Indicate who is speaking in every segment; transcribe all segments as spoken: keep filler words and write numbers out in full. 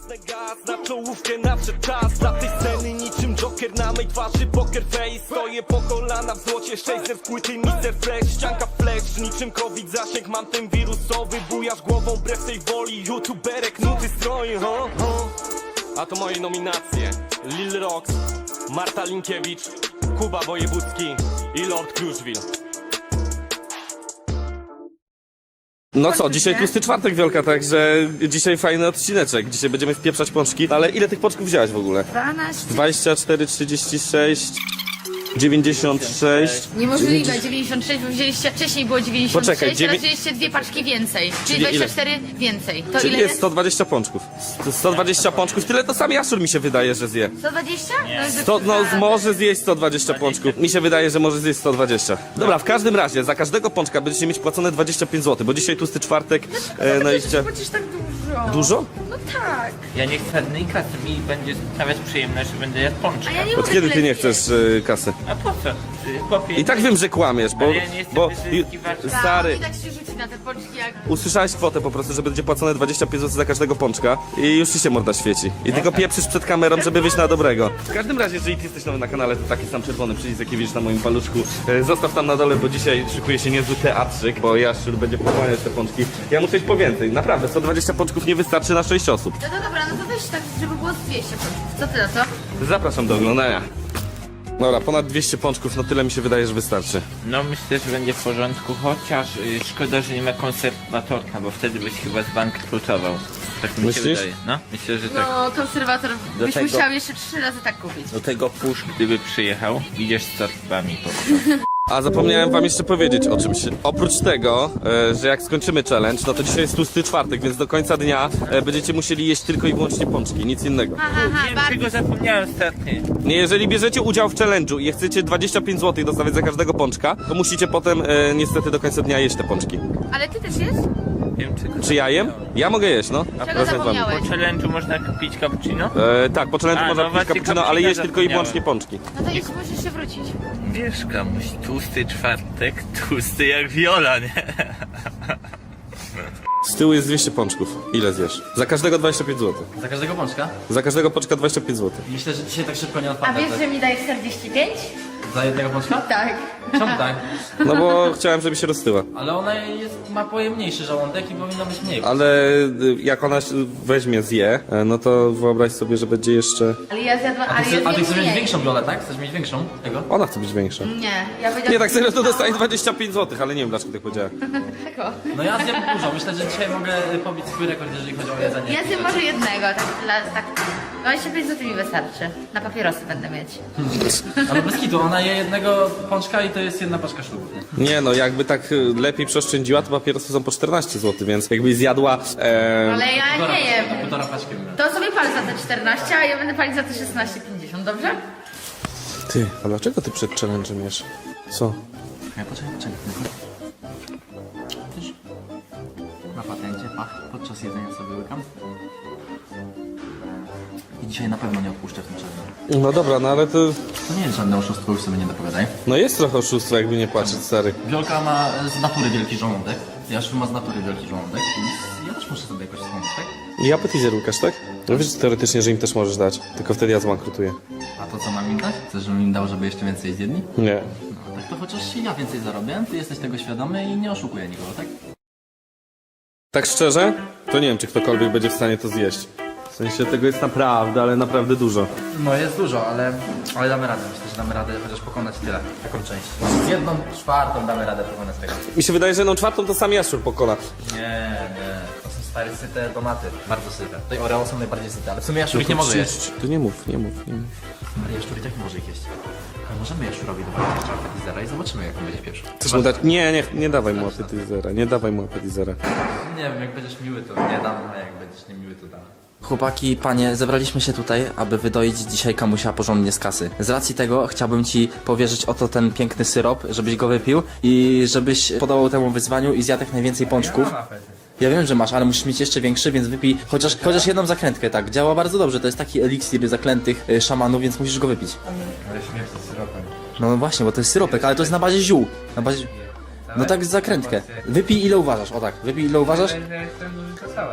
Speaker 1: Wcisnę gaz na czołówkę, nadszedł czas dla tej sceny niczym Joker na mej twarzy poker face. Stoję po kolana w złocie, sześćset płyty mister Fresh. Ścianka flash, niczym covid zasięg, mam ten wirusowy. Bujasz głową wbrew tej woli, youtuberek nuty stroi, ho, ho. A to moje nominacje: Lil Rox, Marta Linkiewicz, Kuba Wojewódzki i Lord Kruszwil. No co, dzisiaj tłusty czwartek, Wiolka, także dzisiaj fajny odcineczek. Dzisiaj będziemy wpieprzać pączki, ale ile tych pączków wziąłeś w ogóle?
Speaker 2: dwanaście.
Speaker 1: dwadzieścia cztery, trzydzieści sześć, dziewięćdziesiąt sześć.
Speaker 2: Niemożliwe, dziewięćdziesiąt sześć, bo wzięliście wcześniej było dziewięćdziesiąt sześć,
Speaker 1: Poczekaj,
Speaker 2: teraz
Speaker 1: dziewię-
Speaker 2: wzięliście dwie paczki więcej, czyli
Speaker 1: Czyli
Speaker 2: dwadzieścia
Speaker 1: ile?
Speaker 2: cztery więcej. To
Speaker 1: Czyli
Speaker 2: ile
Speaker 1: jest sto dwadzieścia pączków. sto dwadzieścia pączków, tyle to sam Jaszczur mi się wydaje, że zje.
Speaker 2: sto dwadzieścia? No,
Speaker 1: To, no może zjeść sto dwadzieścia pączków. Mi się wydaje, że może zjeść sto dwadzieścia. Dobra, w każdym razie za każdego pączka będziecie mieć płacone dwadzieścia pięć złotych, bo dzisiaj tłusty czwartek. E, no i chcia...
Speaker 2: Płacisz tak dużo.
Speaker 1: Dużo?
Speaker 2: No tak.
Speaker 3: Ja nie chcę żadnej kasy, mi będzie sprawiać przyjemność, że będę jadł pączka.
Speaker 2: A ja nie
Speaker 1: Od
Speaker 2: mogę
Speaker 1: kiedy ty
Speaker 2: tyle
Speaker 1: nie
Speaker 2: zjeść.
Speaker 1: chcesz e, kasy?
Speaker 3: A po co? Ty, Chłopie,
Speaker 1: I tak wiem, że kłamiesz, bo...
Speaker 3: Ale ja nie jestem
Speaker 1: bo
Speaker 3: wyzyskiwaczem.
Speaker 2: Tak,
Speaker 1: stary,
Speaker 2: i tak się rzuci na te pączki jak...
Speaker 1: usłyszałeś kwotę po prostu, że będzie płacone dwadzieścia pięć złotych za każdego pączka i już ci się morda świeci. I tylko pieprzysz przed kamerą, żeby wyjść na dobrego. W każdym razie, jeżeli ty jesteś nowy na kanale, to taki sam czerwony przycisk, jaki widzisz na moim paluszku, e, zostaw tam na dole, bo dzisiaj szykuje się niezły teatrzyk, bo Jaszczur będzie pochłaniać te pączki. Ja muszę iść po więcej, naprawdę, sto dwadzieścia pączków nie wystarczy na sześć osób.
Speaker 2: No to dobra, no to weź tak, żeby było z dwieście pączków. Co ty na to?
Speaker 1: Zapraszam do oglądania. Dobra, ponad dwieście pączków, no tyle mi się wydaje, że wystarczy.
Speaker 3: No myślę, że będzie w porządku, chociaż y, szkoda, że nie ma konserwatorka, bo wtedy byś chyba zbankrutował. Tak mi
Speaker 1: Myślisz?
Speaker 3: się wydaje. No, myślę, że tak.
Speaker 2: No, konserwator
Speaker 3: Do
Speaker 2: byś
Speaker 3: tego-
Speaker 2: musiał jeszcze trzy razy tak kupić.
Speaker 3: Do tego pusz, gdyby przyjechał, idziesz z torbami po prostu.
Speaker 1: A zapomniałem wam jeszcze powiedzieć o czymś. Oprócz tego, e, że jak skończymy challenge, no to dzisiaj jest tłusty czwartek, więc do końca dnia e, będziecie musieli jeść tylko i wyłącznie pączki, nic innego.
Speaker 2: Aha, aha,
Speaker 3: Wiem,
Speaker 2: bardzo.
Speaker 3: czego zapomniałem ostatnio.
Speaker 1: Nie, jeżeli bierzecie udział w challenge'u i chcecie dwadzieścia pięć złotych dostawać za każdego pączka, to musicie potem e, niestety do końca dnia jeść te pączki.
Speaker 2: Ale ty też jest?
Speaker 3: Wiem, czego
Speaker 1: Czy ja jem? Ja mogę jeść, no.
Speaker 2: Czego
Speaker 1: Razem z wami.
Speaker 2: zapomniałeś?
Speaker 3: Po challenge'u można kupić cappuccino?
Speaker 1: E, tak, po challenge'u
Speaker 3: A,
Speaker 1: można
Speaker 3: no
Speaker 1: pić
Speaker 3: właśnie,
Speaker 1: cappuccino, ale
Speaker 3: cappuccino
Speaker 1: jeść tylko i
Speaker 3: zapomniałem.
Speaker 1: wyłącznie pączki.
Speaker 2: No to już musisz się wrócić.
Speaker 3: Wiesz, kamuś, tłusty czwartek, tłusty jak Viola, nie?
Speaker 1: Z tyłu jest dwieście pączków. Ile zjesz? Za każdego dwadzieścia pięć złotych.
Speaker 4: Za każdego pączka?
Speaker 1: Za każdego pączka dwadzieścia pięć złotych.
Speaker 4: Myślę, że dzisiaj tak szybko nie
Speaker 2: A
Speaker 4: odpadnę.
Speaker 2: wiesz,
Speaker 4: tak?
Speaker 2: że mi daje czterdzieści pięć?
Speaker 4: Za jednego pączka?
Speaker 2: Tak.
Speaker 4: Czemu tak?
Speaker 1: No bo chciałem, żeby się roztyła.
Speaker 4: Ale ona jest, ma pojemniejszy żołądek i powinna być mniej.
Speaker 1: Ale y, jak ona się weźmie, zje, e, no to wyobraź sobie, że będzie jeszcze...
Speaker 2: Ale ja zjadłam,
Speaker 4: A
Speaker 2: ale
Speaker 4: ty,
Speaker 2: ja
Speaker 4: chcesz, a ty
Speaker 2: zjem
Speaker 4: chcesz mieć
Speaker 2: mniej.
Speaker 4: większą biolę, tak? Chcesz mieć większą tego?
Speaker 1: Ona chce być większa.
Speaker 2: Nie, ja powiedziałam...
Speaker 1: Nie, tak serio to dostaje dwadzieścia pięć złotych, ale nie wiem dlaczego tak powiedziałem.
Speaker 2: Tego.
Speaker 4: No ja zjem dużo. Myślę, że dzisiaj mogę pobić swój rekord, jeżeli chodzi o jedzenie.
Speaker 2: Ja zjem może jednego, tak dla... Tak, dwadzieścia pięć złotych mi wystarczy. Na papierosy będę mieć.
Speaker 4: Ale bez kitu, ona je jednego pączka i to jest jedna paczka szlugów. nie?
Speaker 1: Nie no, jakby tak y, lepiej przeoszczędziła, to papierosy są po czternaście złotych, więc jakbyś zjadła... E,
Speaker 2: Ale ja
Speaker 4: Półtora
Speaker 2: nie
Speaker 4: paczki,
Speaker 2: jem.
Speaker 4: Półtora paczki bym miał.
Speaker 2: To sobie pal za te czternaście, a ja będę palić za te szesnaście pięćdziesiąt, dobrze?
Speaker 1: Ty, a dlaczego ty przed challenge'em jesz? Co?
Speaker 4: Ja poczekaj, poczekaj. Widzisz? Na patencie, pach, podczas jedzenia sobie łykam. I dzisiaj na pewno nie odpuszczę w tym czasie.
Speaker 1: No dobra, no ale to...
Speaker 4: To nie jest żadne oszustwo, już sobie nie dopowiadaj.
Speaker 1: No jest trochę oszustwo, jakby nie płacić, stary.
Speaker 4: Wiolka ma z natury wielki żołądek. Jaszczur ma z natury wielki żołądek. I ja też muszę sobie jakoś wspomnieć, tak?
Speaker 1: I appetizer Łukasz, tak? No wiesz teoretycznie, że im też możesz dać, tylko wtedy ja zbankrutuję.
Speaker 4: A to co mam im dać? Chcesz, żebym im dał, żeby jeszcze więcej zjedli?
Speaker 1: Nie.
Speaker 4: No, tak to chociaż ja więcej zarobię, ty jesteś tego świadomy i nie oszukuję nikogo, tak?
Speaker 1: Tak szczerze, to nie wiem, czy ktokolwiek będzie w stanie to zjeść. W sensie tego jest naprawdę, ale naprawdę dużo.
Speaker 4: No jest dużo, ale, ale damy radę. Myślę, że damy radę chociaż pokonać tyle, taką część. Z jedną czwartą damy radę pokonać tego.
Speaker 1: Mi się wydaje, że jedną czwartą to sam Jaszczur pokona.
Speaker 4: Nie, nie. To są stare syte tomaty. Bardzo syte. Tutaj Oreo są najbardziej syte, ale w sumie Jaszczur ich nie może jeść.
Speaker 1: To nie mów, nie mów, nie mów.
Speaker 4: Ale Jaszczur i tak nie może ich jeść. Ale możemy Jaszczurowi dowalić jeszcze appetizera i zobaczymy jak on będzie pierwszy.
Speaker 1: Chcesz mu dać? Nie, nie, nie dawaj mu appetizera, nie dawaj mu appetizera.
Speaker 4: Nie wiem, jak będziesz miły to nie dam, a jak będziesz niemiły to dam. Chłopaki, panie, zebraliśmy się tutaj, aby wydoić dzisiaj kamusia porządnie z kasy. Z racji tego chciałbym ci powierzyć oto ten piękny syrop, żebyś go wypił i żebyś podołał temu wyzwaniu i zjadł jak najwięcej pączków. Ja wiem, że masz, ale musisz mieć jeszcze większy, więc wypij chociaż, chociaż jedną zakrętkę, tak. Działa bardzo dobrze, to jest taki eliksir zaklętych y, szamanów, więc musisz go wypić.
Speaker 3: Ale śmierć z syropem.
Speaker 4: No właśnie, bo to jest syropek, ale to jest na bazie ziół. Na bazie... No tak zakrętkę. Wypij ile uważasz, o tak, wypij ile uważasz.
Speaker 3: Ja jestem duży to całe.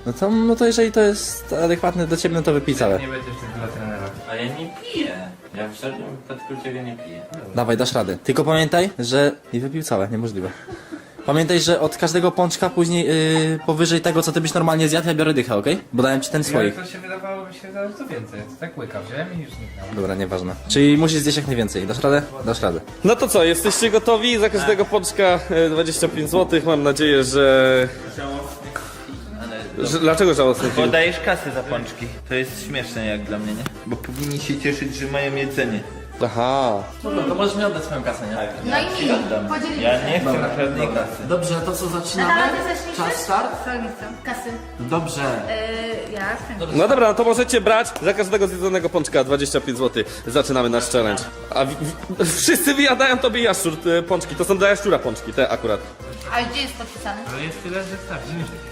Speaker 4: No to, no to jeżeli to jest adekwatne do ciebie, no to wypij całe.
Speaker 5: Nie będziesz tak dla trenera.
Speaker 3: A ja nie piję. Ja w żadnym wypadku tego nie piję.
Speaker 4: Dawaj, dasz radę. Tylko pamiętaj, że... I wypił całe, niemożliwe. Pamiętaj, że od każdego pączka później yy, powyżej tego, co ty byś normalnie zjadł, ja biorę dychę, okej? Bo dałem ci ten
Speaker 5: Ja,
Speaker 4: swoich.
Speaker 5: to się wydawało mi się zaraz co więcej. To tak łyka wziąłem i już zniknęło.
Speaker 4: Dobra, nieważne. Czyli musisz zjeść jak najwięcej. Dasz radę? Dasz radę.
Speaker 1: No to co, jesteście gotowi? Za każdego pączka e, dwadzieścia pięć złotych. Mam nadzieję, że... że... Dlaczego żałosny film?
Speaker 3: Podajesz kasę za pączki. To jest śmieszne jak dla mnie, nie? Bo powinni się cieszyć, że mają jedzenie.
Speaker 1: Aha.
Speaker 4: No to możesz mi oddać swoją kasę, nie?
Speaker 2: No i mi. Podzielimy
Speaker 3: Ja
Speaker 2: się.
Speaker 3: nie chcę żadnej kasy.
Speaker 4: Dobrze, to co zaczynamy?
Speaker 2: Natalia, ty zaczniesz?
Speaker 4: Czas start?
Speaker 2: Co nie chcę? Kasy.
Speaker 4: Dobrze.
Speaker 2: Yy, ja skręcę.
Speaker 1: No dobra, no to możecie brać za każdego zjedzonego pączka dwadzieścia pięć złotych. Zaczynamy nasz challenge. A wi- wi- wszyscy wyjadają tobie jaszczur te pączki. To są dla jaszczura pączki, te akurat.
Speaker 2: A gdzie jest podpisane?
Speaker 5: Ale jest tyle, że starczy.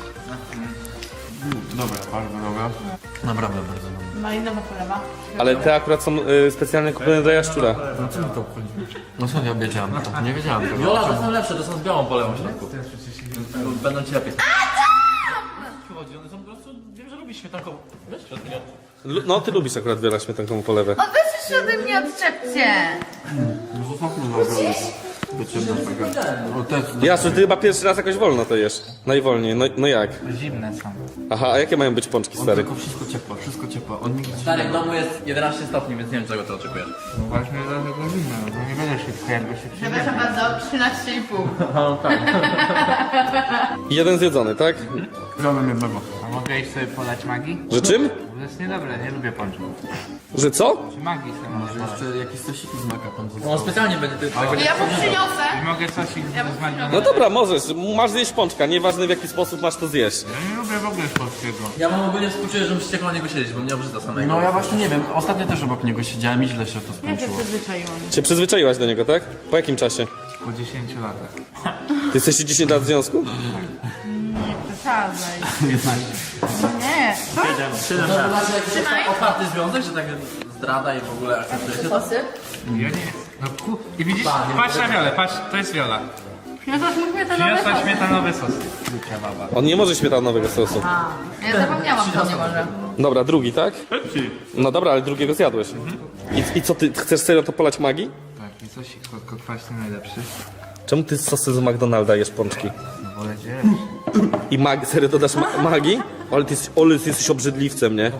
Speaker 5: Dobra, bardzo dobra.
Speaker 4: Naprawdę bardzo dobrze.
Speaker 2: Malinowa polewa.
Speaker 1: Ale te akurat są y, specjalnie kupione dla jaszczura.
Speaker 6: No co ja wiedziałem? Nie wiedziałem tego.
Speaker 4: Jola, to są lepsze, to są z białą polewą w środku. Będą ci lepiej. Chodzi, one są po prostu, wiem, że lubisz śmietankową. Weź przed mnie.
Speaker 1: Lu- No ty lubisz akurat wiele śmietankową polewę.
Speaker 2: O, weź się ode mnie odczepcie.
Speaker 1: Jaszczur, ty chyba pierwszy raz jakoś wolno to jesz. Najwolniej, no, no jak?
Speaker 5: Zimne są.
Speaker 1: Aha, a jakie mają być pączki, stary?
Speaker 6: Tylko wszystko ciepło, wszystko ciepło. On nigdy
Speaker 4: Stary, w domu jest jedenaście stopni, więc nie wiem czego ty oczekujesz.
Speaker 5: No właśnie dlatego zimne, no nie będę szybko, jakby się
Speaker 2: Przepraszam bardzo, trzynaście i pół.
Speaker 1: Jeden zjedzony, tak?
Speaker 6: wziąłem jednego.
Speaker 5: A mogę iść sobie polać magii?
Speaker 1: Że czym?
Speaker 5: To jest niedobre, nie lubię pączków.
Speaker 1: Że co?
Speaker 5: Czy magii sobie mogę polać?
Speaker 6: Jeszcze jakieś sosiki z maka tam
Speaker 4: No specjalnie będzie ty tego
Speaker 2: Ja mu przyniosę.
Speaker 5: I mogę coś z magii.
Speaker 1: No dobra, możesz. Masz zjeść pączka, nieważne w jaki sposób masz to zjeść.
Speaker 5: Ja nie lubię w ogóle polskiego.
Speaker 4: Ja mam ogólnie współczuję, że musicie koło niego siedzieć, bo mnie obrzyda samego.
Speaker 6: No ja właśnie nie wiem, ostatnio też obok niego siedziałem i źle się to
Speaker 2: Ja się
Speaker 6: skończyło.
Speaker 2: przyzwyczaiłam.
Speaker 1: Cię przyzwyczaiłaś do niego, tak? Po jakim czasie?
Speaker 5: Po dziesięciu latach.
Speaker 1: Ty jesteście dziesięć lat w związku?
Speaker 2: Przesadzaj. Nie.
Speaker 4: To znaczy jakiś jest otwarty związek, że tak zdrada i w ogóle akceptujecie to?
Speaker 2: Posyp.
Speaker 5: Ja nie. No ku... I widzisz? Patrz na wiolę, patrz, to jest wiola.
Speaker 2: Przyniosłaś mu śmietanowe
Speaker 5: Przyniosła
Speaker 2: sosy.
Speaker 5: śmietanowy sos. Lucia baba.
Speaker 1: On nie może śmietanowego sosu.
Speaker 2: A, ja zapomniałam, że nie może.
Speaker 1: Dobra, drugi, tak? No dobra, ale drugiego zjadłeś. I, i co, ty chcesz serio to polać magii?
Speaker 5: Tak, i sosik słodko-kwaśny najlepszy.
Speaker 1: Czemu ty z sosy z McDonalda jesz pączki?
Speaker 5: No wolę cię.
Speaker 1: I mag serio dodasz ma magii? Ale ty, jesteś- ole, ty jesteś obrzydliwcem, nie?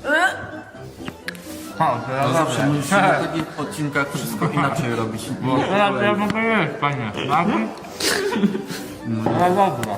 Speaker 5: O, to ja
Speaker 6: Zawsze
Speaker 5: dobrze.
Speaker 6: musimy na takich odcinkach wszystko inaczej robić. Bo
Speaker 5: Teraz ja mogę jeść, panie. Magii? No dobra.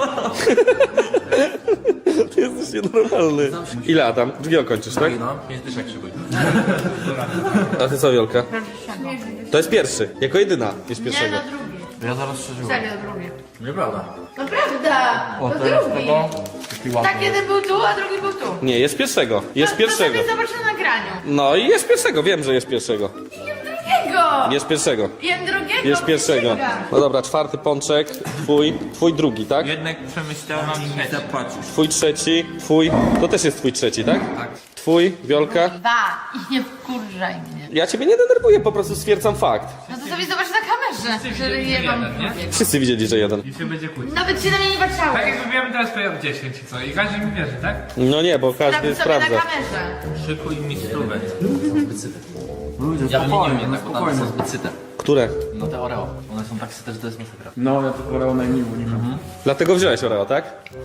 Speaker 1: Ty jesteś nienormalny. Ile Adam? Drugiego kończysz, tak?
Speaker 4: No, pięć dyszek szykuj.
Speaker 1: A ty co, Wiolka? To jest pierwszy, jako jedyna jest
Speaker 2: Nie,
Speaker 1: pierwszego.
Speaker 2: no drugi.
Speaker 6: ja zaraz przeżyłem.
Speaker 2: Serio, drugi.
Speaker 4: Nieprawda.
Speaker 2: No prawda.
Speaker 6: O,
Speaker 2: To
Speaker 6: teraz
Speaker 2: drugi.
Speaker 6: tego. Taki ładny.
Speaker 2: Tak, jeden był tu, a drugi był tu.
Speaker 1: Nie, jest pierwszego, jest
Speaker 2: To
Speaker 1: pierwszego.
Speaker 2: sobie zobacz na nagraniu.
Speaker 1: No i jest pierwszego, wiem, że jest pierwszego.
Speaker 2: Jem drugiego.
Speaker 1: Jest pierwszego.
Speaker 2: Jem drugiego.
Speaker 1: Jest pierwszego.
Speaker 2: przysięgam.
Speaker 1: No dobra, czwarty pączek, twój, twój drugi, tak?
Speaker 3: Jednak przemyślałem i nie zapłacisz.
Speaker 1: Twój trzeci, twój, to też jest twój trzeci, tak? Tak. Twój, Wiolka.
Speaker 2: Dwa. I nie wkurzaj mnie.
Speaker 1: Ja ciebie nie denerwuję, po prostu stwierdzam fakt.
Speaker 2: No to sobie zobacz na kamerze, że je mam
Speaker 5: jeden, nie?
Speaker 2: drugiego.
Speaker 1: Wszyscy widzieli, że jeden.
Speaker 5: I się będzie kłócić.
Speaker 2: Nawet się na mnie nie patrzało.
Speaker 5: Tak jak wybiłem teraz to ja w dziesięć i co? I każdy mi wierzy, tak?
Speaker 1: No nie, bo każdy
Speaker 2: Sprawdź sobie na
Speaker 1: sprawdza.
Speaker 2: kamerze.
Speaker 3: Szykuj mi stówę.
Speaker 6: Ludzie,
Speaker 4: Ja bym nie
Speaker 6: spokojnie,
Speaker 4: wiem,
Speaker 6: no
Speaker 4: tak, bo tam
Speaker 6: spokojnie.
Speaker 4: są zbyt syte.
Speaker 1: Które?
Speaker 4: No te Oreo. One są tak syte, że to jest masakra.
Speaker 6: No ja to Oreo najmniej unikam.
Speaker 1: Dlatego wziąłeś Oreo, tak?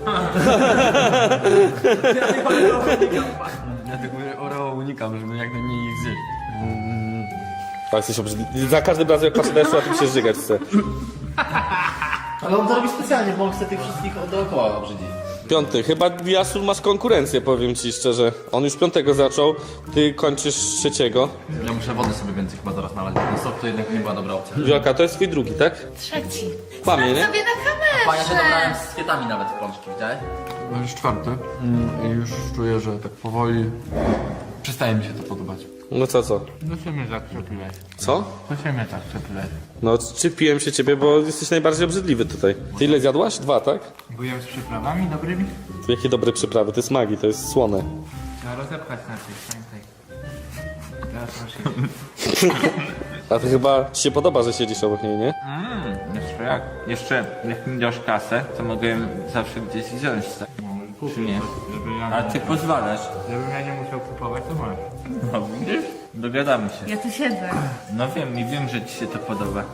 Speaker 6: Ja tego Oreo unikam, żeby jak najmniej ich zjeść.
Speaker 1: Tak, jesteś obrzydliwy. Za każdym razem jak patrzę na jeszcze, a ty się żygać chce.
Speaker 4: Ale on to robi specjalnie, bo on chce tych wszystkich dookoła obrzydzić.
Speaker 1: Piąty. Chyba Jasur masz konkurencję, powiem ci szczerze. On już piątego zaczął, ty kończysz trzeciego.
Speaker 4: Ja muszę wody sobie więcej chyba zaraz nalać, bo ten sok to jednak nie była dobra opcja.
Speaker 1: Wiolka, to jest twój drugi, tak?
Speaker 2: Trzeci.
Speaker 1: Kłamie,
Speaker 2: Sprawdź
Speaker 1: nie?
Speaker 2: sobie na
Speaker 4: A ja się dobrałem
Speaker 2: kamerze.
Speaker 4: z kwiatami nawet w pączki, widziałeś?
Speaker 6: No już czwarty. Mm, I już czuję, że tak powoli przestaje mi się to podobać.
Speaker 1: No co, co?
Speaker 5: No się mnie tak przepiłeś.
Speaker 1: Co?
Speaker 5: To się mnie tak przepiłeś.
Speaker 1: No, czypiłem się ciebie, bo jesteś najbardziej obrzydliwy tutaj. Ty ile zjadłaś? Dwa, tak?
Speaker 5: Byłem z przyprawami dobrymi?
Speaker 1: Jakie dobre przyprawy, to jest magii, to jest słone.
Speaker 5: Trzeba rozepchać na coś, pamiętaj. Teraz proszę.
Speaker 1: A ty chyba ci się podoba, że siedzisz obok niej, nie?
Speaker 3: Mm, jeszcze jak? Jeszcze jak mi dasz kasę, to mogę ją zawsze gdzieś wziąć. Tak?
Speaker 5: kupił,
Speaker 3: Czy nie?
Speaker 5: żeby ja,
Speaker 3: A
Speaker 5: nie,
Speaker 3: ty pozwalasz.
Speaker 5: żebym ja nie musiał kupować, to masz.
Speaker 3: No widzisz? Dogadamy się.
Speaker 2: Ja tu siedzę.
Speaker 3: No wiem i wiem, że ci się to podoba.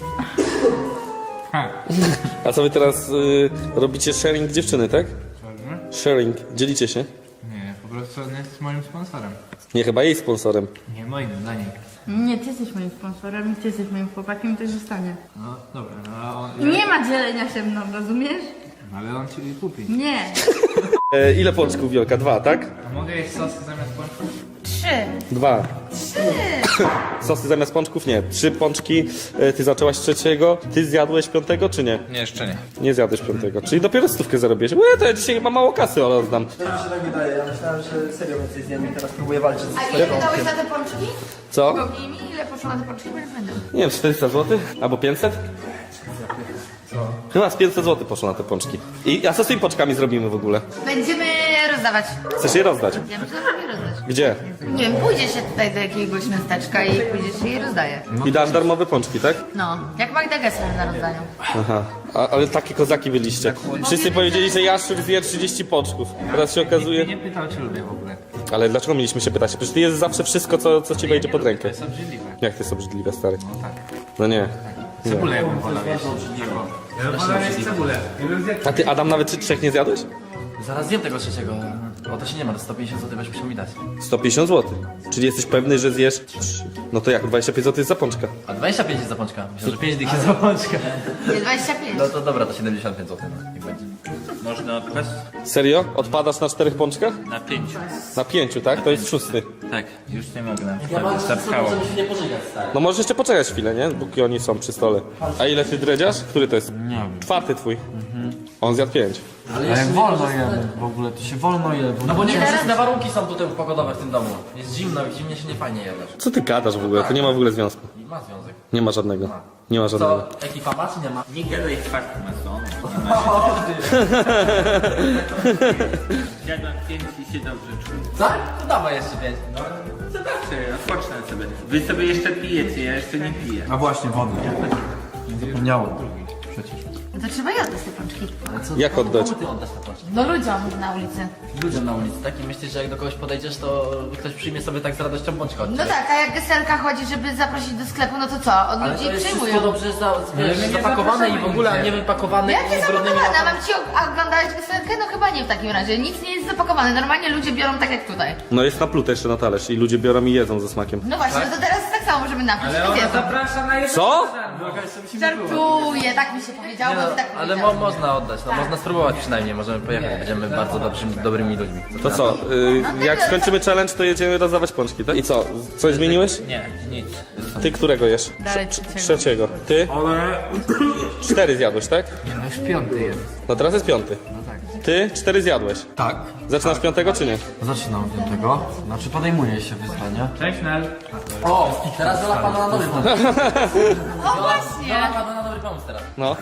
Speaker 5: Ha,
Speaker 7: A co wy teraz y, robicie sharing dziewczyny, tak?
Speaker 5: pewnie?
Speaker 7: Sharing, dzielicie się?
Speaker 5: Nie, po prostu on jest moim sponsorem.
Speaker 7: Nie, chyba jej sponsorem.
Speaker 5: Nie moim, dla niej.
Speaker 2: Nie, ty jesteś moim sponsorem i ty jesteś moim chłopakiem i tak zostanie.
Speaker 5: No dobra, no a on...
Speaker 2: Nie ma dzielenia się mną, rozumiesz?
Speaker 5: Ale on ci kupi.
Speaker 2: Nie.
Speaker 7: E, ile pączków, Wiolka? Dwa, tak?
Speaker 5: A mogę jeść sosy zamiast pączków?
Speaker 2: Trzy.
Speaker 7: Dwa.
Speaker 2: Trzy.
Speaker 7: Sosy zamiast pączków? Nie. Trzy pączki, e, ty zaczęłaś trzeciego, ty zjadłeś piątego, czy nie?
Speaker 3: Nie, jeszcze nie.
Speaker 7: Nie zjadłeś piątego, czyli dopiero stówkę zarobiłeś. Łe, to ja dzisiaj chyba mało kasy rozdam.
Speaker 8: To mi się tak wydaje, ja myślałem, że serio więcej zjem i teraz próbuję walczyć ze
Speaker 2: A
Speaker 8: swoim
Speaker 2: ile
Speaker 8: wątkiem.
Speaker 2: wydałeś za te pączki?
Speaker 7: Co?
Speaker 2: Powiedz mi, ile poszło na te pączki, bo nie będę.
Speaker 7: Nie wiem, czterysta złotych? Albo pięćset? Chyba z pięćset złotych poszło na te pączki. I a co z tymi pączkami zrobimy w ogóle?
Speaker 2: Będziemy rozdawać.
Speaker 7: Chcesz je rozdać?
Speaker 2: Ja myślę, że je rozdać.
Speaker 7: Gdzie?
Speaker 2: Nie wiem, pójdzie się tutaj do jakiegoś miasteczka i pójdzie się je rozdaje.
Speaker 7: I dasz darmowe pączki, tak?
Speaker 2: No, jak Magda Gessler na rozdaniu.
Speaker 7: Aha, a, ale takie kozaki byliście. Wszyscy powiedzieli, że Jaszczur zje trzydzieści pączków. Teraz się
Speaker 5: Nikt mnie
Speaker 7: okazuje...
Speaker 5: nie pytał, czy lubię w ogóle.
Speaker 7: Ale dlaczego mieliśmy się pytać? Przecież ty jest zawsze wszystko, co, co ci wejdzie pod
Speaker 5: To
Speaker 7: rękę.
Speaker 5: jest obrzydliwe.
Speaker 7: Jak ty jest obrzydliwe, stary?
Speaker 5: No tak.
Speaker 7: No nie.
Speaker 5: Cebulę ja bym wolał jeść. Ja bym wolał jeść cebulę. Ja bym zjadł.
Speaker 7: A ty, Adam, nawet trzy- trzech nie zjadłeś?
Speaker 4: Zaraz zjem tego trzeciego. O, to się nie ma, to sto pięćdziesiąt złotych byś musiał mi dać.
Speaker 7: sto pięćdziesiąt złotych. Czyli jesteś pewny, że zjesz trzy. No to jak? dwadzieścia pięć złotych jest za pączka.
Speaker 4: A dwadzieścia pięć jest za pączka. Myślę, że pięć dych jest za pączka.
Speaker 2: Nie, dwadzieścia pięć.
Speaker 4: No to dobra, to siedemdziesiąt pięć złotych, no, niech będzie.
Speaker 3: Można odpaść?
Speaker 7: Serio? Odpadasz na czterech pączkach?
Speaker 3: Na pięciu.
Speaker 7: Na pięciu, tak? To jest szósty.
Speaker 3: Tak, już nie mogę na przykład. Zapchało.
Speaker 4: się nie pożygać, stary.
Speaker 7: No możesz jeszcze poczekać chwilę, nie? Póki oni są przy stole. A ile ty dredziarz? Który to jest?
Speaker 5: Nie wiem.
Speaker 7: Czwarty twój. On zjadł pięć.
Speaker 6: Ale jak wolno jemy w ogóle, to się wolno je.
Speaker 4: No bo nie korzystne warunki są tutaj pogodowe w tym domu. Jest zimno i w zimnie się nie fajnie jadasz.
Speaker 7: Co ty gadasz w ogóle? To nie ma w ogóle związku.
Speaker 4: I ma związek.
Speaker 7: Nie ma żadnego. Nie ma żadnego.
Speaker 4: Co, ekipa ma czy nie ma?
Speaker 3: Nie gadaj twardy masonu. Zjadłem pięć i się dobrze czuję.
Speaker 4: Co? To dawaj jeszcze pięć. No.
Speaker 3: Zobaczcie, odpocznę sobie. Wy sobie jeszcze pijecie, ja jeszcze nie piję.
Speaker 6: A właśnie, wodę. Zapomniałem. Przecież.
Speaker 2: No to trzeba je oddać te pączki.
Speaker 4: Ale co,
Speaker 7: Jak oddać?
Speaker 4: Komu ty oddasz te pączki?
Speaker 2: No ludziom na ulicy.
Speaker 4: Ludziom na ulicy, tak? I myślisz, że jak do kogoś podejdziesz, to ktoś przyjmie sobie tak z radością pączka od
Speaker 2: No
Speaker 4: ciebie?
Speaker 2: tak, a jak Gesselka chodzi, żeby zaprosić do sklepu, no to co? Od
Speaker 4: Ale
Speaker 2: ludzi
Speaker 4: to jest
Speaker 2: przyjmują.
Speaker 4: wszystko dobrze za, wiesz,
Speaker 5: my nie
Speaker 4: zapakowane i w
Speaker 5: zapraszamy
Speaker 4: ogóle, a
Speaker 5: nigdzie.
Speaker 4: nie wypakowane
Speaker 2: Jakie
Speaker 4: i brudnymi
Speaker 2: zapakowane? A
Speaker 4: łapami.
Speaker 2: mam ci og- oglądać Gesselkę? No chyba nie w takim razie. Nic nie jest zapakowane. Normalnie ludzie biorą tak jak tutaj.
Speaker 7: No jest naplute jeszcze na talerz i ludzie biorą i jedzą ze smakiem.
Speaker 2: No właśnie, no to teraz tak samo możemy napić.
Speaker 5: Ale
Speaker 2: i
Speaker 5: ona
Speaker 2: wiedzą.
Speaker 5: zaprasza na jedno.
Speaker 7: Co?
Speaker 2: Żartuję, tak mi się powiedziało,
Speaker 4: Nie
Speaker 2: bo
Speaker 4: no,
Speaker 2: ty tak
Speaker 4: ale mo
Speaker 2: powiedziałeś.
Speaker 4: można oddać, no można spróbować przynajmniej, możemy pojechać, będziemy bardzo dobrymi, dobrymi ludźmi.
Speaker 7: To co? Y, jak skończymy challenge, to jedziemy rozdawać pączki, tak? I co? Coś zmieniłeś?
Speaker 3: Nie, nic.
Speaker 7: Ty którego jesz?
Speaker 2: Dalej
Speaker 7: Trz-
Speaker 2: trzeciego.
Speaker 7: Trzeciego. Ty?
Speaker 5: Ale...
Speaker 7: Cztery zjadłeś, tak?
Speaker 5: Nie, no już piąty jest.
Speaker 7: No teraz jest piąty.
Speaker 5: No tak.
Speaker 7: Ty? Cztery zjadłeś.
Speaker 6: Tak.
Speaker 7: Zaczynasz piątego czy nie?
Speaker 6: Zaczynam od tego. Znaczy podejmuje się wyzwanie.
Speaker 5: Cześć Nel.
Speaker 4: O, teraz Zola pada na dobry pomysł.
Speaker 2: O właśnie,
Speaker 4: Zola pada na dobry pomysł teraz.
Speaker 7: No.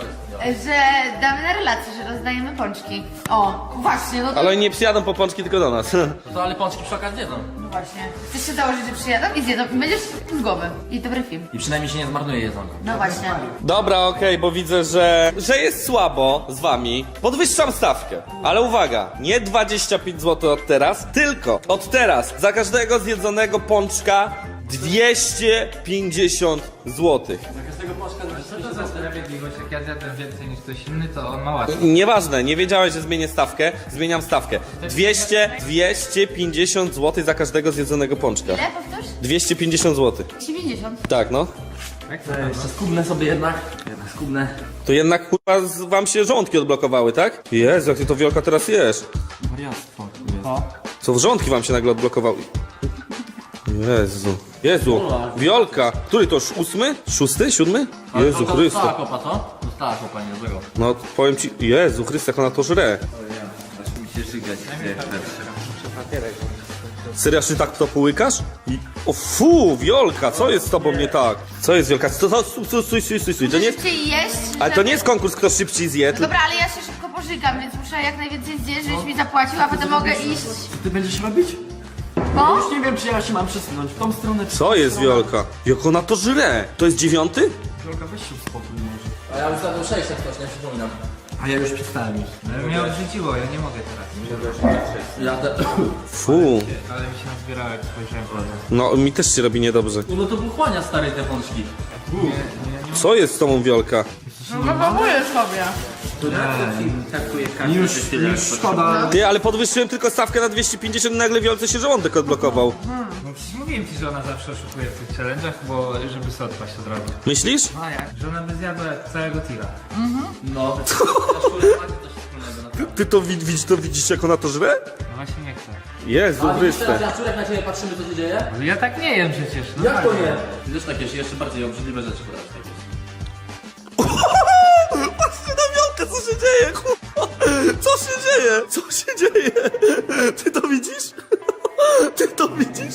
Speaker 2: że damy na relację, że rozdajemy pączki. O, właśnie, no to
Speaker 7: Ale oni nie przyjadą po pączki, tylko do nas.
Speaker 4: No to ale pączki przy okazji jedzą.
Speaker 2: właśnie. Chcesz się założyć, że przyjadą i zjedzą i będziesz z głowy. I dobry film.
Speaker 4: I przynajmniej się nie zmarnuje jedzonko.
Speaker 2: No właśnie.
Speaker 7: Dobra, okej, bo widzę, że, że jest słabo z wami. Podwyższam stawkę. Ale uwaga, nie dwadzieścia pięć złotych od teraz, tylko od teraz za każdego zjedzonego pączka dwieście pięćdziesiąt złotych.
Speaker 5: Co to za sprawiedliwość? Jak ja zjadłem więcej niż ktoś inny, to on ma łatwiej.
Speaker 7: Nieważne, nie wiedziałeś, że zmienię stawkę. Zmieniam stawkę. dwieście, dwieście pięćdziesiąt złotych za każdego zjedzonego pączka.
Speaker 2: Ile powtórz?
Speaker 7: dwieście pięćdziesiąt złotych.
Speaker 2: dziewięćdziesiąt.
Speaker 7: Tak, no.
Speaker 4: Jeszcze skubnę sobie jednak. Jednak skubnę.
Speaker 7: To jednak kurwa z- wam się żołądki odblokowały, tak? Jezu, jak ty to Wiolka teraz jesz.
Speaker 6: Wariactwo tu jest.
Speaker 7: Co, żołądki wam się nagle odblokowały? Jezu. Jezu. Wiolka. Który to już ósmy? Szósty? Siódmy? Jezu
Speaker 4: Dostała
Speaker 7: Chryste.
Speaker 4: kopa, co? Dostała kopa, nie złego.
Speaker 7: No powiem ci, Jezu Chryste, jak ona to żre.
Speaker 3: Aż mi się żygać chce jak patrzę.
Speaker 7: Serio, ty tak to połykasz? I... O fu, Wiolka, co jest z tobą nie tak? Co jest Wiolka? To, to, stój, stój, stój, stój, stój. To nie jest...
Speaker 2: Szybciej jeść.
Speaker 7: Ale to
Speaker 2: żeby-
Speaker 7: nie jest konkurs, kto szybciej zje.
Speaker 2: No
Speaker 7: To...
Speaker 2: dobra, ale ja się szybko pożygam, więc muszę jak najwięcej zjeść, żebyś mi zapłacił, a potem mogę iść.
Speaker 6: Co ty będziesz robić?
Speaker 2: Bo?
Speaker 6: Już nie wiem, czy ja się mam przesunąć w tą stronę, czy w
Speaker 7: Co
Speaker 6: tą
Speaker 7: jest
Speaker 6: stronę.
Speaker 7: Wiolka? Jak ona to żre? To jest dziewiąty?
Speaker 6: Wiolka, weź się uspokój może.
Speaker 4: A ja już zjadłem sześć, jak ktoś nie przypominam.
Speaker 5: A ja już przestałem już. No, mnie odrzuciło, ja nie mogę teraz.
Speaker 4: Jadę.
Speaker 7: Fu.
Speaker 5: Ale mi się nazbierało jak spojrzałem po
Speaker 7: No, mi też się robi niedobrze.
Speaker 4: No to pochłania stary te pączki.
Speaker 7: Co jest z tobą, Wiolka?
Speaker 2: No próbuję sobie.
Speaker 3: Takuje każdy
Speaker 6: Już,
Speaker 3: tyle
Speaker 6: już szkoda.
Speaker 7: Ty, ale podwyższyłem tylko stawkę na dwieście pięćdziesiąt, nagle Wiolce się żołądek odblokował.
Speaker 5: No przecież mówiłem ci, że ona zawsze oszukuje w tych challenge'ach, bo żeby sobie odpaść od razu.
Speaker 7: Myślisz?
Speaker 5: No a jak? Że ona by zjadła całego tira.
Speaker 4: No, to coś wspólnego na
Speaker 7: Ty to wi- widzisz, to widzisz, jak ona to żre?
Speaker 5: No właśnie nie chcę.
Speaker 7: Jezu,
Speaker 4: Ale widzisz teraz,
Speaker 7: Chryste.
Speaker 4: Jaszczur, jak na ciebie patrzymy, co się dzieje?
Speaker 5: No ja tak nie jem przecież. No
Speaker 4: Jak to
Speaker 5: tak.
Speaker 4: nie? Ty też tak jesz, jeszcze bardziej obrzydliwe rzeczy podasz.
Speaker 7: Patrzcie na Wiolkę, co się dzieje, kurwa. Co się dzieje? Co się dzieje? Ty to widzisz? Ty to widzisz?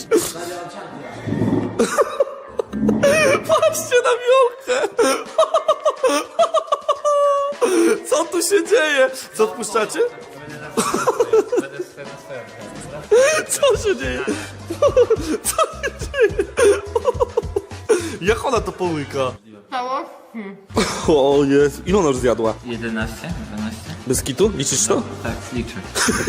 Speaker 7: Patrzcie na Wiolkę. Co tu się dzieje? Co odpuszczacie?
Speaker 5: Będę swoje na swoją.
Speaker 7: Co się dzieje? Co się dzieje? Jak ona to połyka? O Jezu, ile ona już zjadła?
Speaker 3: jedenaście? dwanaście?
Speaker 7: Bez kitu? Liczysz to?
Speaker 3: Tak, liczę.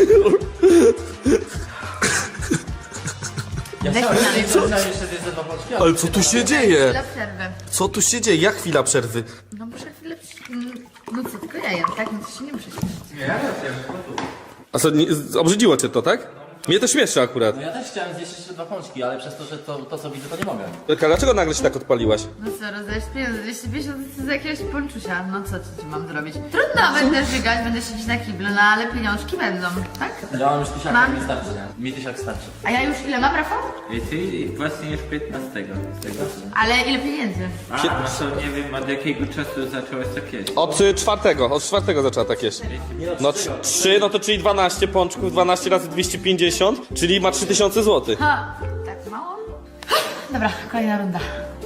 Speaker 4: Ja chciałem jeszcze zjeść te dwa pączki, ale
Speaker 7: Ale co tu się dzieje?
Speaker 2: Dla przerwy.
Speaker 7: Co tu się dzieje? Jak chwila przerwy?
Speaker 2: No muszę chwilę... przy- No co, tylko ja jem, tak? No to się nie muszę śmiać.
Speaker 7: A co, nie, obrzydziło cię to, tak? Mnie to śmieszy akurat.
Speaker 4: No ja też chciałem zjeść jeszcze dwa pączki, ale przez to, że to, to co widzę, to nie mogę.
Speaker 7: Wielka, dlaczego nagle się tak odpaliłaś?
Speaker 2: No co, rozdajesz pieniądze, dwieście pięćdziesiąt to z jakiegoś ponczusia. No co ci mam zrobić? Trudno, będę żygać, będę siedzieć na kiblu, no ale pieniążki będą, tak?
Speaker 4: Ja mam już tysiaka,
Speaker 2: Mam.
Speaker 4: mi starczy, nie? Mi tysiak starczy.
Speaker 2: A ja już ile mam, Rafał?
Speaker 3: I ty właśnie już piętnastego. z tego.
Speaker 2: Ale ile pieniędzy?
Speaker 3: A, no to nie wiem od jakiego czasu zacząłeś tak jeść.
Speaker 7: Od y, czwartego, od czwartego zaczęła tak jeść. No tr- trzy, no to czyli dwanaście pączków, dwanaście razy dwieście pięćdziesiąt, czyli ma trzy tysiące złotych.
Speaker 2: Ha, tak mało? Dobra, kolejna runda.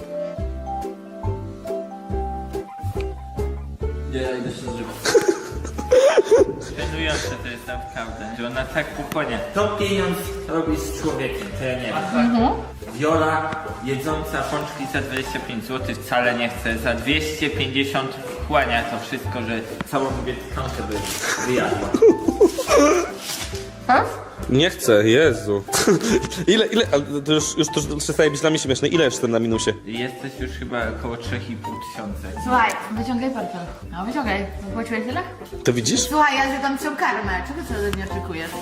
Speaker 4: Nie, ja idę się zżywać.
Speaker 3: Żenujące to jest naprawdę, że ona tak pochłania. To pieniądz robi z człowiekiem, to ja nie wiem. Wiola jedząca pączki za dwadzieścia pięć złotych wcale nie chce, za dwieście pięćdziesiąt wchłania to wszystko, że całą wietkankę by wyjadła.
Speaker 7: Nie chcę, Jezu. Ile, ile, ale to już, już to przestaje być dla mnie śmieszne. Ile jestem na minusie?
Speaker 3: Jesteś już chyba około trzy i pół tysiąca.
Speaker 2: Słuchaj, wyciągaj portfel. No wyciągaj. Zapłaciłeś tyle?
Speaker 7: To widzisz?
Speaker 2: Słuchaj, ja zjadam całą karmę. Czego ty ode mnie oczekujesz?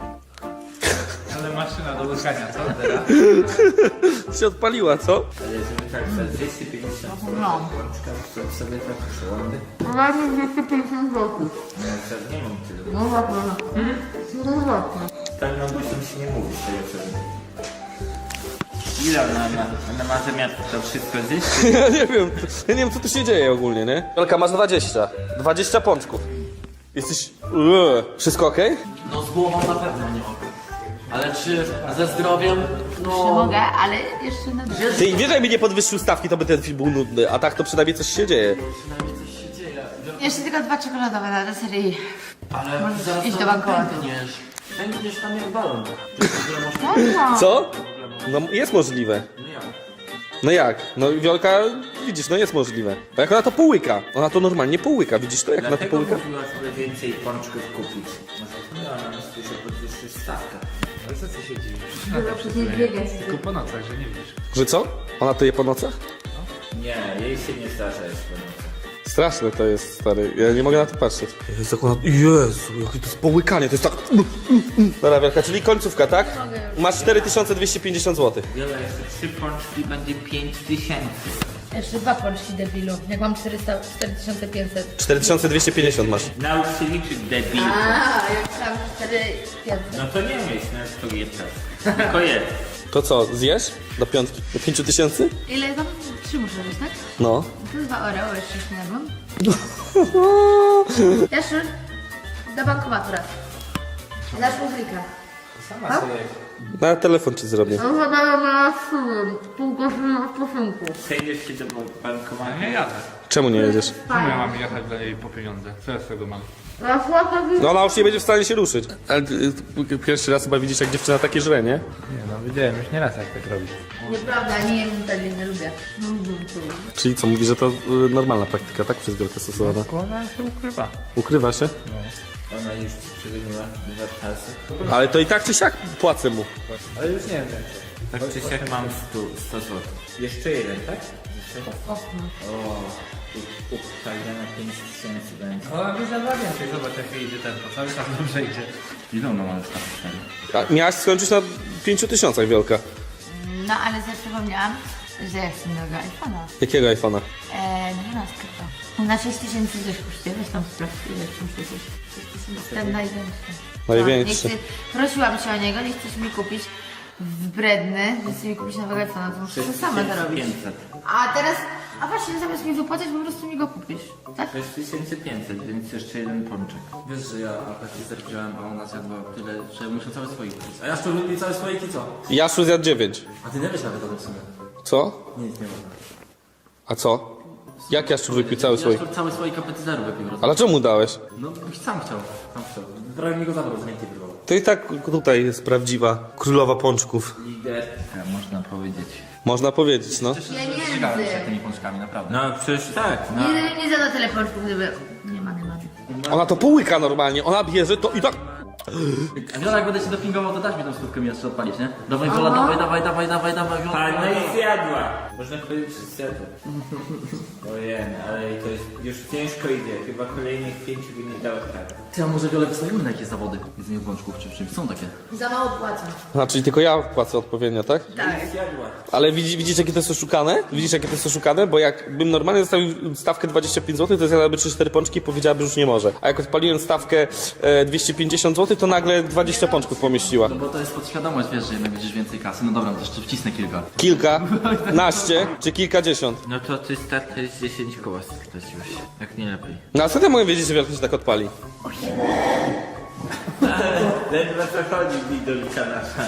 Speaker 5: Ale maszyna do łykania, co teraz?
Speaker 7: Się odpaliła, co?
Speaker 3: Ale żeby tak za dwieście pięćdziesiąt
Speaker 2: No.
Speaker 3: pączka, to sobie tak przełądy.
Speaker 2: Mamy dwieście pięćdziesiąt złotych.
Speaker 3: No ja nie mam tyle.
Speaker 2: No właśnie. No właśnie.
Speaker 3: Tak no bo się nie mówi z tego co. Ile ona ma? Ona ma zamiar to wszystko zjeść?
Speaker 7: Ja nie wiem, ja nie wiem co tu się dzieje ogólnie, nie? Wielka, masz dwadzieścia. dwadzieścia pączków. Jesteś... Eee. Wszystko okej?
Speaker 4: No z głową na pewno nie mogę. Ale czy ze zdrowiem?
Speaker 2: Czy
Speaker 4: No...
Speaker 2: mogę, ale jeszcze na dwie.
Speaker 7: Ty wiesz, jakby nie podwyższył stawki, to by ten film był nudny, a tak to przynajmniej coś się dzieje.
Speaker 4: Przynajmniej coś się dzieje.
Speaker 2: Jeszcze tylko dwa czekoladowe na deserii.
Speaker 4: Ale
Speaker 2: Możesz
Speaker 4: zaraz
Speaker 2: iść
Speaker 4: tam
Speaker 2: do bankomatu.
Speaker 4: pękniesz. Pękniesz tam jak balon.
Speaker 7: Co? No jest możliwe. No jak? No Wiolka, widzisz, no jest możliwe. Bo jak ona to połyka, ona to normalnie połyka, widzisz to, jak ona to
Speaker 3: Dlatego
Speaker 7: połyka?
Speaker 3: mówiła sobie więcej pączków kupić. Może miała na myśli, że podwyższysz stawkę.
Speaker 5: Ale co ty się dziwisz? Tylko po nocach, że nie widzisz.
Speaker 7: Że co? Ona to je po nocach?
Speaker 3: Nie, jej się nie zdarza jest po nocach.
Speaker 7: Straszne to jest, stary, ja nie mogę na to patrzeć. Jezu, jak ona... Jezu, jakie to jest połykanie, to jest tak... Dobra Wielka, czyli końcówka, tak? Masz cztery tysiące dwieście pięćdziesiąt złotych.
Speaker 3: Wiele jeszcze trzy pączki będzie pięć tysięcy.
Speaker 2: Jeszcze dwa pączki, debilu. Jak mam czterysta, cztery tysiące pięćset.
Speaker 7: cztery tysiące dwieście pięćdziesiąt masz.
Speaker 3: Naucz się liczyć debil.
Speaker 2: A, jak tam cztery pięćset.
Speaker 3: No to nie myśl, no to jedz. Tylko jedz.
Speaker 7: To co, zjesz? Do piątki? Do pięciu tysięcy?
Speaker 2: Ile tam? Trzy muszę być, tak?
Speaker 7: No.
Speaker 2: To jest dwa Oreo, jeszcze nie jadłam. Jaszczur, do bankomatu raz. Dasz mu klika.
Speaker 5: Sama sobie.
Speaker 7: Na telefon ci zrobię.
Speaker 2: No zadałem na szum, pół godziny odpoczynku.
Speaker 3: Przejdziesz się do bankomatu.
Speaker 5: Nie jadę.
Speaker 7: Czemu nie jedziesz?
Speaker 5: Czemu ja mam jechać dla niej po pieniądze? Co ja z tego mam?
Speaker 2: A słabo
Speaker 7: No ona już nie będzie w stanie się ruszyć. Ale ty, ty, pierwszy raz chyba widzisz, jak dziewczyna takie żre, nie?
Speaker 5: Nie no, widziałem już nieraz jak tak robić.
Speaker 2: Nieprawda, nie jem wtedy, nie lubię.
Speaker 7: Czyli co, mówi, że to y, normalna praktyka, tak? Przez wielkę stosowana.
Speaker 5: Ona się ukrywa.
Speaker 7: Ukrywa się?
Speaker 3: Ona już przegoniła dwa czasy.
Speaker 7: Ale to i tak czy siak płacę mu.
Speaker 5: Ale już nie wiem więcej.
Speaker 3: Tak czy siak mam sto złotych. Jeszcze jeden, tak? Jeszcze? O, upchajna na pięć tysięcy będzie.
Speaker 5: Ona by zabrała więcej, zobacz jak idzie tempo, cały czas dobrze idzie.
Speaker 3: Ile ona ma już na stanie?
Speaker 7: A miałaś skończyć na pięciu tysiącach, Wielka.
Speaker 2: No ale sobie przypomniałam, że ja chcę nowego iPhone'a.
Speaker 7: Jakiego iPhone'a?
Speaker 2: Eee, dwunastkę to. Na sześć tysięcy coś kosztuje, weź tam sprawdź, ile tam przecież. Ten największy.
Speaker 7: Największy.
Speaker 2: No, nie chcę, prosiłam cię o niego, nie chcesz mi kupić wbredny, nie chcesz mi kupić nowego iPhone'a, to muszę to sama zarobić.
Speaker 3: pięćset.
Speaker 2: A teraz, a właśnie zamiast mi wypłacać, po prostu mi go kupisz, tak?
Speaker 3: sześć tysięcy pięćset, więc jeszcze jeden pączek.
Speaker 4: Wiesz, że ja apetizer wziąłem, a ona zjadła tyle, że muszę całe słoiki pić. A ja szczur lubię całe słoiki, co?
Speaker 7: Jaszu zjadł dziewięć.
Speaker 4: A ty nie wiesz nawet o tym w sumie.
Speaker 7: Co?
Speaker 4: Nic nie można.
Speaker 7: A co? Jak Jaszczur wypił cały słoik?
Speaker 4: Jaszczur cały słoik apetizeru wypił. rozumiesz?
Speaker 7: Ale czemu dałeś?
Speaker 4: No sam chciał, sam chciał. Prawie mi go zabrał, z ręki wyrwał.
Speaker 7: To i tak tutaj jest prawdziwa królowa pączków.
Speaker 3: Liderka, można powiedzieć.
Speaker 7: Można powiedzieć, no.
Speaker 4: Żygałem się
Speaker 2: Pieniędzy.
Speaker 4: tymi pączkami, naprawdę.
Speaker 3: No przecież tak, no.
Speaker 2: Nie, nie zada tyle pączków, gdyby... Nie ma, nie ma.
Speaker 7: Ona to połyka normalnie, ona bierze to i tak...
Speaker 4: A Wiola, jak będę się dopingował, to dasz mi tą stówkę mi jeszcze odpalić, nie? Dawaj Wiola, dawaj, dawaj, dawaj, dawaj, dawaj, Wiola.
Speaker 3: Tak, no i zjadła. Można powiedzieć, że zjadła. Ojej, ale to jest już ciężko idzie. Chyba kolejnych pięciu by nie dało tak.
Speaker 4: Ty, a może Wiolę wystawimy na jakieś zawody? Jedzenie pączków czy w czymś? Są takie.
Speaker 2: Za mało płacą.
Speaker 7: A, czyli tylko ja płacę odpowiednio, tak?
Speaker 2: Tak.
Speaker 3: Zjadła.
Speaker 7: Ale widzisz, widzisz jakie to jest oszukane? Widzisz jakie to jest oszukane? Bo jakbym normalnie zostawił stawkę dwadzieścia pięć złotych, to zjadłaby trzy cztery pączki i powiedziałaby, że już nie może. A jak odpaliłem stawkę e, dwieście pięćdziesiąt złotych, to nagle dwadzieścia pączków pomieściła.
Speaker 4: No bo to jest podświadomość, wiesz, że jednak będziesz więcej kasy. No dobra, to jeszcze wcisnę kilka.
Speaker 7: Kilka, naście czy kilkadziesiąt.
Speaker 3: No to ty start to jest dziesięć koła straciłeś. Jak nie lepiej.
Speaker 7: No a co ty mogę wiedzieć, że wielka się tak odpali?
Speaker 3: Ledwo co chodzi, widolika nasza.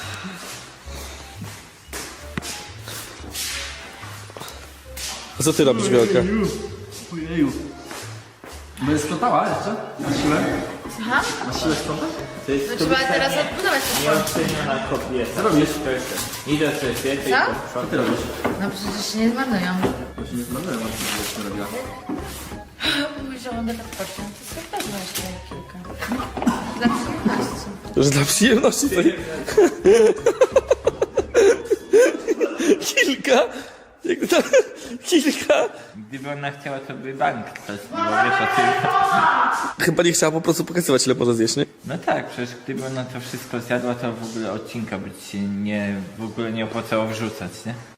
Speaker 7: A co ty robisz, Wielka?
Speaker 4: Ojeju. Będziesz sprzątała jeszcze? Na siłę?
Speaker 2: Słucham?
Speaker 4: Na siłę sprzątać?
Speaker 3: To jest
Speaker 2: No trzeba teraz odbudować te pączki.
Speaker 3: nieoceniona kobieta.
Speaker 4: Co robisz?
Speaker 3: Idę sobie świetnie.
Speaker 2: Co?
Speaker 4: Co ty robisz?
Speaker 2: No przecież się nie zmarnują.
Speaker 4: Właśnie nie zmarnowałem, co ty robiła.
Speaker 2: Mój żołądek odpocznie, to sobie też masz kilka. Dla przyjemności.
Speaker 7: Że dla przyjemności to... Kilka? Jak to... Kilka?
Speaker 3: Gdyby ona chciała, to by bank to było, wiesz o tym.
Speaker 7: Chyba nie chciała po prostu pokazywać, ile może zjeść, nie?
Speaker 3: No tak, przecież gdyby ona to wszystko zjadła, to w ogóle odcinka by ci się nie, w ogóle nie opłacało wrzucać, nie?